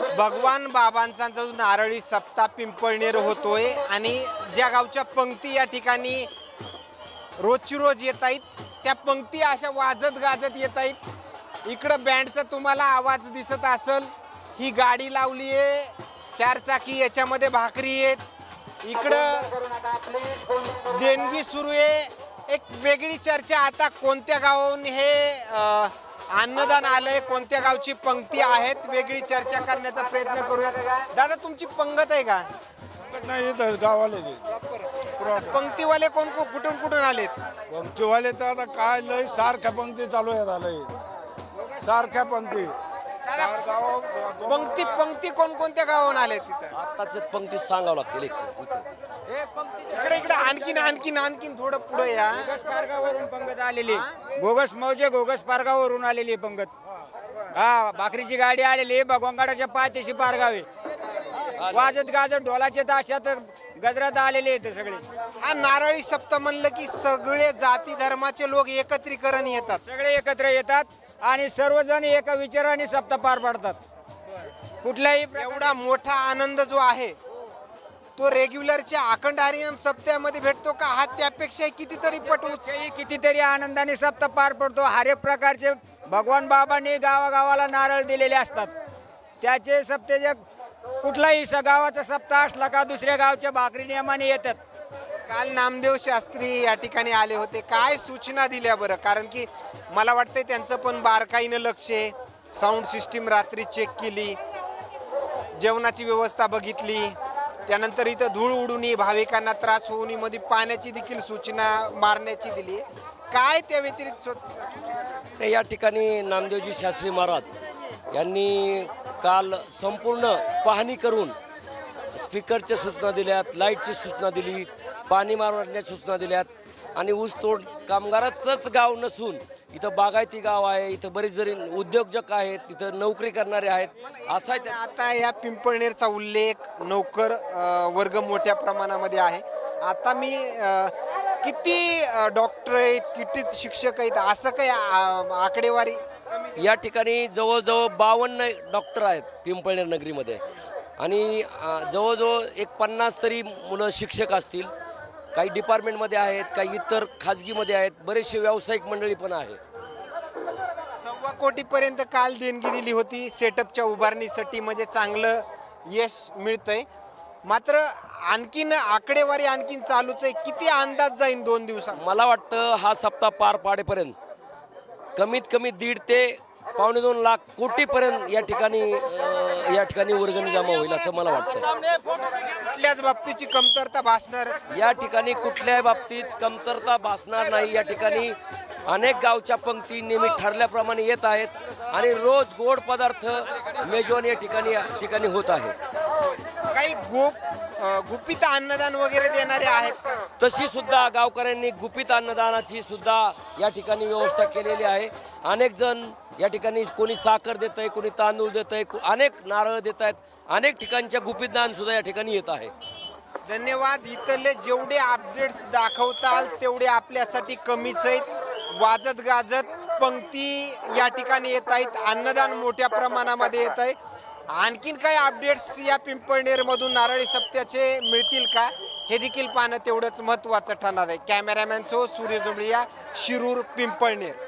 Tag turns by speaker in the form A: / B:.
A: भगवान बाबांचा जो नारळी सप्ताह पिंपळनेर होतोय आणि ज्या गावच्या पंक्ती या ठिकाणी रोजची रोज येत आहेत त्या पंक्ती अशा वाजत गाजत येत आहेत। इकडं बँडचा तुम्हाला आवाज दिसत असेल, ही गाडी लावली आहे 4 चाकी, याच्यामध्ये भाकरी आहेत। इकडं देणगी सुरू आहे। एक वेगळी चर्चा, आता कोणत्या गावाहून हे अन्नदान आलंय, कोणत्या गावची पंक्ती आहेत, वेगळी चर्चा करण्याचा प्रयत्न करूयात। दादा तुमची पंगत आहे का?
B: नाही तर गावाले
A: पंक्तीवाले कोण कुठून कुठून आलेत?
B: पंक्तीवाले तर आता काय लय सारख्या पंक्ती चालू आहेत, आलंय सारख्या पंक्ती।
A: पंक्ती पंक्ती कोणत्या गावाहून आलेत तिथं?
C: आताच पंक्ती सांगावं लागतील
A: इकडे इकडे आणखीन आणखीन आणखीन थोडं पुढे या।
D: घोगस पारगावरून पंगत आलेली, घोगस मौजे घोगस पारगावरून आलेली पंगत। हा, भाकरीची गाडी आलेली भगवानगडाच्या पायथ्याशी पारगावे, वाजत गाजत ढोलाचे ताशात गजरात आलेले आहेत सगळे।
A: हा नारळी सप्ताह म्हणलं की सगळे जाती धर्माचे लोक एकत्रीकरण येतात,
D: सगळे एकत्र येतात आणि सर्वजण एका विचाराने सप्ताह पार पाडतात। कुठल्याही
A: एवढा मोठा आनंद जो आहे तो रेग्युलरच्या अखंड हरिनाम सप्त्यामध्ये भेटतो का? हा त्यापेक्षा कितीतरी पट
D: कितीतरी आनंदाने सप्ताह पार पडतो। हर एक प्रकारचे भगवान बाबांनी गावागावाला नारळ दिलेले असतात। त्याचे सप्त्याचे कुठलाही गावाचा सप्ताह असला का दुसऱ्या गावच्या भाकरी नियमाने येतात।
A: काल नामदेव शास्त्री या ठिकाणी आले होते, काय सूचना दिल्या बरं? कारण की मला वाटतंय त्यांचं पण बारकाईनं लक्ष आहे। साऊंड सिस्टीम रात्री चेक केली, जेवणाची व्यवस्था बघितली, त्यानंतर इथं धूळ उडून भाविकांना त्रास होऊ नये मध्ये पाण्याची देखील सूचना मारण्याची दिली। काय त्या व्यतिरिक्त सूचना?
C: या ठिकाणी नामदेवजी शास्त्री महाराज यांनी काल संपूर्ण पाहणी करून स्पीकरच्या सूचना दिल्यात, लाईटची सूचना दिली, पाणी मारण्याच्या सूचना दिल्यात आणि ऊसतोड कामगाराचंच गाव नसून इथं बागायती गाव आहे, इथं बरेच जरी उद्योजक आहेत, तिथं नोकरी करणारे आहेत। असा
A: आता या पिंपळनेरचा उल्लेख नोकर वर्ग मोठ्या प्रमाणामध्ये आहे। आता मी किती डॉक्टर आहेत, किती शिक्षक आहेत, असं काही आकडेवारी?
C: या ठिकाणी जवळजवळ 52 डॉक्टर आहेत पिंपळनेर नगरीमध्ये आणि जवळजवळ एक 50 तरी मुलं शिक्षक असतील। काही डिपार्टमेंटमध्ये आहेत, काही इतर खाजगीमध्ये आहेत, बरेचसे व्यावसायिक मंडळी पण आहे।
A: 1.25 कोटीपर्यंत काल देणगी दिली होती सेटअपच्या उभारणीसाठी, म्हणजे चांगलं यश मिळतंय। मात्र आणखीन आकडेवारी आणखीन चालूच आहे, किती अंदाज जाईल 2 दिवसात?
C: मला वाटतं हा सप्ताह पार पाडेपर्यंत कमीत कमी 1.5 ते 2.25 लाख कोटीपर्यंत या ठिकाणी वर्गणी जमा होईल असं मला वाटतं।
A: कुठल्याच बाबतीची कमतरता भासणार?
C: या ठिकाणी कुठल्याही बाबतीत कमतरता भासणार नाही। या ठिकाणी अनेक गावच्या पंक्ती नेहमी ठरल्याप्रमाणे येत आहेत आणि रोज गोड पदार्थ मेजवानी या ठिकाणी होत आहे।
A: काही गुपित अन्नदान वगैरे देणारे आहेत का?
C: तशी सुद्धा गावकऱ्यांनी गुपित अन्नदानाची सुद्धा या ठिकाणी व्यवस्था केलेली आहे। अनेक जण या ठिकाणी कोणी साखर देत आहे, कोणी तांदूळ देत आहे, अनेक नारळ देत आहेत, अनेक ठिकाणच्या गुपित दान सुद्धा या ठिकाणी येत आहे।
A: धन्यवाद। इथले जेवढे अपडेट्स दाखवताल तेवढे आपल्यासाठी कमीच आहेत। वाजत गाजत पंक्ती या ठिकाणी येत आहेत, अन्नदान मोठ्या प्रमाणामध्ये येत आहे। आणखीन काही अपडेट्स या पिंपळनेरमधून नारळी सप्त्याचे मिळतील का, हे देखील पाहणं तेवढंच महत्त्वाचं ठरणार आहे। कॅमेरामॅन सूर्य जुंबळिया, शिरूर, पिंपळनेर।